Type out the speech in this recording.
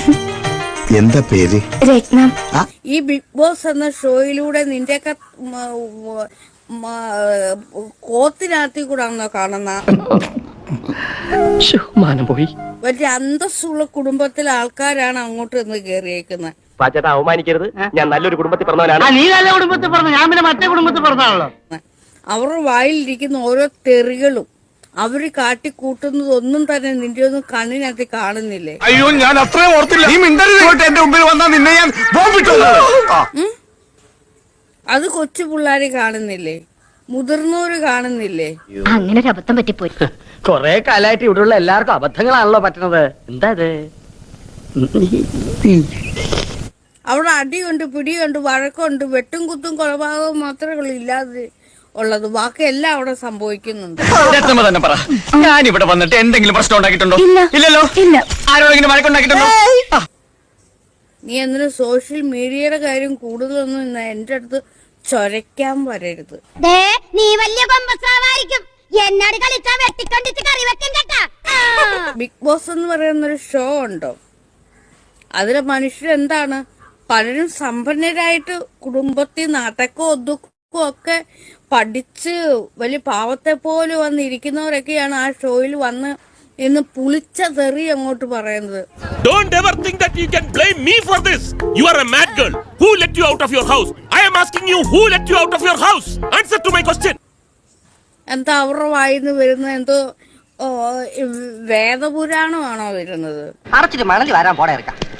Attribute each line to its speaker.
Speaker 1: എന്താ പേര്?
Speaker 2: രത്നം.
Speaker 3: ഈ ബിഗ് ബോസ് എന്ന ഷോയിലൂടെ നിന്റെയൊക്കെ കോത്തിനകത്തി കൂടാണോ കാണുന്ന?
Speaker 4: പോയി
Speaker 3: വലിയ അന്തസ്സുള്ള കുടുംബത്തിലെ ആൾക്കാരാണ് അങ്ങോട്ട് നിന്ന് കയറിയേക്കുന്നത്.
Speaker 4: പാച്ചേട്ടാ അവമാനിക്കരുത്, ഞാൻ നല്ലൊരു കുടുംബത്തിൽ പറഞ്ഞവനാണ്. നീ നല്ല കുടുംബത്തിൽ പറഞ്ഞു, ഞാൻ പിന്നെ മറ്റേ കുടുംബത്തിൽ പറഞ്ഞാണല്ലോ.
Speaker 3: അവരുടെ വായിലിരിക്കുന്ന ഓരോ തെറികളും അവര് കാട്ടിക്കൂട്ടുന്നതൊന്നും തന്നെ നിന്റെ ഒന്നും കണ്ണിനകത്ത് കാണുന്നില്ലേ?
Speaker 1: അയ്യോ, ഞാൻ അത്രയും ഓർത്തില്ല. നീ മിണ്ടരുത്. എന്റെ മുമ്പിൽ വന്നാൽ നിന്നെ ഞാൻ
Speaker 3: അത് കൊച്ചു പിള്ളേര് കാണുന്നില്ലേ? മുതിർന്നവര് കാണുന്നില്ലേ?
Speaker 2: അങ്ങനെ ഒരു അബദ്ധം പറ്റിപ്പോയി.
Speaker 4: കൊറേ കാലായിട്ട് ഇവിടെയുള്ള എല്ലാവർക്കും അബദ്ധങ്ങളാണല്ലോ പറ്റുന്നത്. എന്താ ഇത്?
Speaker 3: അവിടെ അടിയുണ്ട്, പിടിയുണ്ട്, വഴക്കുണ്ട്, വെട്ടും കുത്തും കൊലപാതകവും മാത്രമേ ഇല്ലാതെ ഉള്ളത്. ബാക്കി എല്ലാം അവിടെ സംഭവിക്കുന്നുണ്ട്.
Speaker 5: തന്നെ പറ, ഞാൻ ഇവിടെ വന്നിട്ട് എന്തെങ്കിലും പ്രശ്നം ഉണ്ടാക്കിയിട്ടുണ്ടോ? ഇല്ലല്ലോ. ആരോടെങ്കിലും വഴക്കുണ്ടാക്കിയിട്ടുണ്ടോ?
Speaker 3: നീ എന്തിനും സോഷ്യൽ മീഡിയയുടെ കാര്യം കൂടുതലൊന്നും എന്റെ അടുത്ത് ചൊരയ്ക്കാൻ വരരുത്.
Speaker 2: നീ വലിയ എന്നോട് കളിച്ചാൽ വെട്ടിക്കൊണ്ടിട്ട് കറി വെക്കും കേട്ടാ.
Speaker 3: ബിഗ് ബോസ് എന്ന് പറയുന്നൊരു ഷോ ഉണ്ടോ? അതിലെ മനുഷ്യരെന്താണ്? പലരും സമ്പന്നരായിട്ട് കുടുംബത്തിൽ നാട്ടക്കോ ഒതുക്കോ ഒക്കെ പഠിച്ച് വലിയ പാവത്തെ പോലെ വന്നിരിക്കുന്നവരൊക്കെയാണ് ആ ഷോയിൽ വന്ന് ഇന്ന് പുളിച്ച തെറി അങ്ങോട്ട് പറയുന്നത്.
Speaker 6: Don't ever think that you can blame me for this. You are a mad girl. Who let you out of your house? I am asking you, who let you out of your house? Answer to my question.
Speaker 3: എന്താ അവരുടെ വായിന്ന് വരുന്ന എന്തോ വേദപുരാണമാണോ വരുന്നത്?
Speaker 4: അടച്ചിട്ട് മണലി വരാൻ പോടെ ഇറക്കാം.